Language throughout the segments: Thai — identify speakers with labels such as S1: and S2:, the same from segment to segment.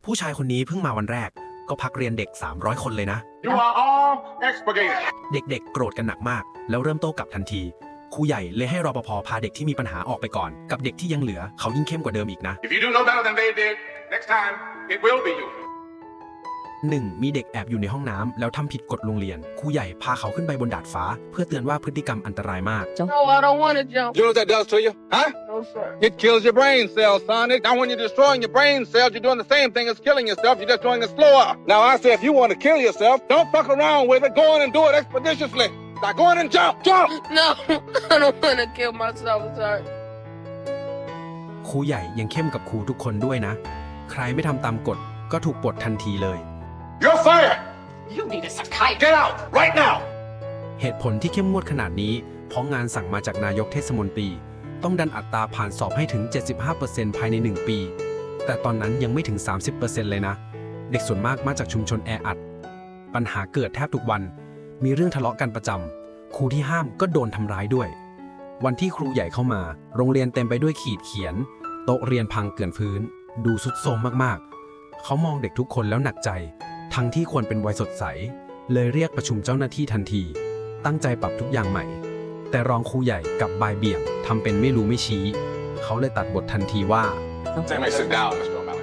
S1: ผู้ชายคนนี้เพิ่งมาวันแรกก็พักเรียนเด็ก300คนเลยนะ
S2: You are all expurgated.
S1: เด็กๆโกรธกันหนักมากแล้วเริ่มโต้กลับทันทีครูใหญ่เลยให้รปภพาเด็กที่มีปัญหาออกไปก่อนกับเด็กที่ยังเหลือเขายิ่งเข้มกว่าเดิมอีกนะ
S2: If you do no better than they did, next time it will be you.
S1: 1. มีเด็กแอบอยู่ในห้องน้ำแล้วทำผิดกฎโรงเรียนครูใหญ่พาเขาขึ้นไปบนดาดฟ้าเพื่อเตือนว่าพฤติกรรมอันตรายมาก
S3: No, I don't want to jump.
S4: You know what that does to you? Huh?
S3: No, sir.
S4: It kills your brain cells, son. Now, when you're destroying your brain cells, you're doing the same thing as killing yourself. You're just doing it slower. Now, I say if you want to kill yourself, don't fuck around with it. Go on and do it expeditiously. Now, go on and jump. Jump!
S3: No, I don't want to kill myself, sir.
S1: ครูใหญ่ยังเข้มกับครูทุกคนด้วยนะใครไม่ทำตามกฎก็ถูกปลดทันทีเลย
S2: You're fired.
S5: You need a psychiatrist.
S2: Get out right now.
S1: เหตุผลที่เข้มงวดขนาดนี้เพราะงานสั่งมาจากนายกเทศมนตรีต้องดันอัตราผ่านสอบให้ถึง 75% ภายใน1ปีแต่ตอนนั้นยังไม่ถึง 30% เลยนะเด็กส่วนมากมาจากชุมชนแออัดปัญหาเกิดแทบทุกวันมีเรื่องทะเลาะกันประจำครูที่ห้ามก็โดนทำร้ายด้วยวันที่ครูใหญ่เข้ามาโรงเรียนเต็มไปด้วยขีดเขียนโต๊ะเรียนพังเกลื่อนพื้นดูทรุดโทรมมากๆเขามองเด็กทุกคนแล้วหนักใจทั้งที่ควรเป็นวัยสดใสเลยเรียกประชุมเจ้าหน้าที่ทันทีตั้งใจปรับทุกอย่างใหม่แต่รองครูใหญ่กับบ่ายเบี่ยงทำเป็นไม่รู้ไม่ชี้เขาเลยตัดบททันทีว่า
S4: Say, man, sit down, Mr. O'Malley.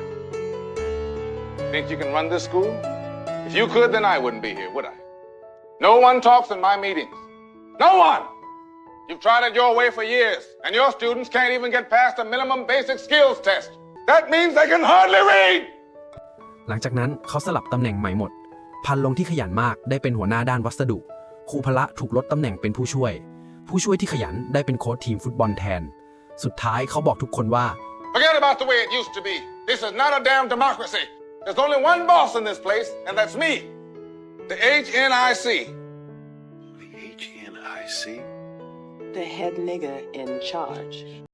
S4: Think you can run this school? If you could, then I wouldn't be here, would I? No one talks in my meetings. No one! You've tried it your way for years, and your students can't even get past the minimum basic skills test. That means they can hardly read!
S1: หลังจากนั้นเขาสลับตำแหน่งใหม่หมดพันลงที่ขยันมากได้เป็นหัวหน้าด้านวัสดุครูพละถูกลดตำแหน่งเป็นผู้ช่วยที่ขยันได้เป็นโค้ชทีมฟุตบอลแทนสุดท้ายเขาบอกทุกคนว่า
S4: Forget about the way it used to be. This is not a damn democracy. There's only one boss in this place, and that's me. The HNIC.
S6: The HNIC?
S5: The head nigger in charge.